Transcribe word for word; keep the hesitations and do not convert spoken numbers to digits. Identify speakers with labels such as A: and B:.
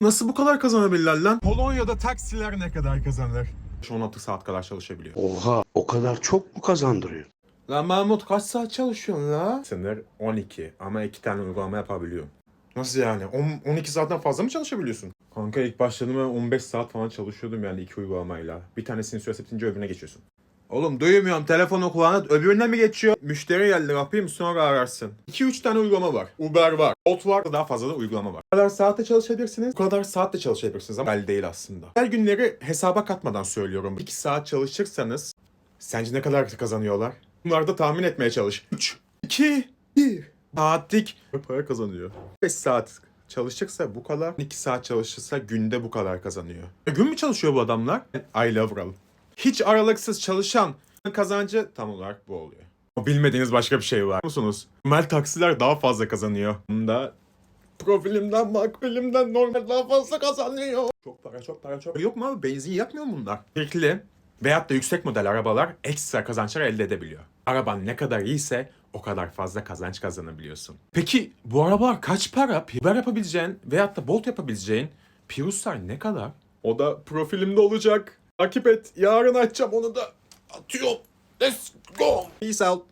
A: Nasıl bu kadar kazanabilirler lan? Polonya'da taksiler ne kadar kazanır? on altı saat kadar çalışabiliyor.
B: Oha, o kadar çok mu kazandırıyor?
A: Lan Mahmut kaç saat çalışıyorsun la? Sınır on iki ama iki tane uygulama yapabiliyorum. Nasıl yani? on, on iki saatten fazla mı çalışabiliyorsun? Kanka ilk başladığımda on beş saat falan çalışıyordum yani iki uygulamayla. Bir tanesini süresi bitince öbürüne geçiyorsun. Oğlum duymuyorum, telefonu kulağına öbürüne mi geçiyor? Müşteri geldi, yapayım sonra ararsın. iki üç tane uygulama var. Uber var, Bolt var, daha fazla da uygulama var. Bu kadar saatte çalışabilirsiniz, bu kadar saatte çalışabilirsiniz ama belli değil aslında. Her günleri hesaba katmadan söylüyorum. iki saat çalışırsanız sence ne kadar kazanıyorlar? Bunları da tahmin etmeye çalış. üç, iki, bir. Saatlik para kazanıyor. beş saat çalışırsa bu kadar, iki saat çalışırsa günde bu kadar kazanıyor. E, gün mü çalışıyor bu adamlar? I love Ral. Hiç aralıksız çalışan kazancı tam olarak bu oluyor. Bilmediğiniz başka bir şey var musunuz? Normal taksiler daha fazla kazanıyor. Bunda profilimden, makbulimden normal daha fazla kazanıyor. Çok para, çok para, çok. Yok mu abi? Benzin yakmıyor mu bunlar? Tekli veyahut da yüksek model arabalar ekstra kazançlar elde edebiliyor. Araban ne kadar iyiyse o kadar fazla kazanç kazanabiliyorsun. Peki bu arabalar kaç para? Uber yapabileceğin veyahut da Bolt yapabileceğin Prius'lar ne kadar? O da profilimde olacak. Takip et. Yarın açacağım onu da. Atıyorum. Let's go. Peace out.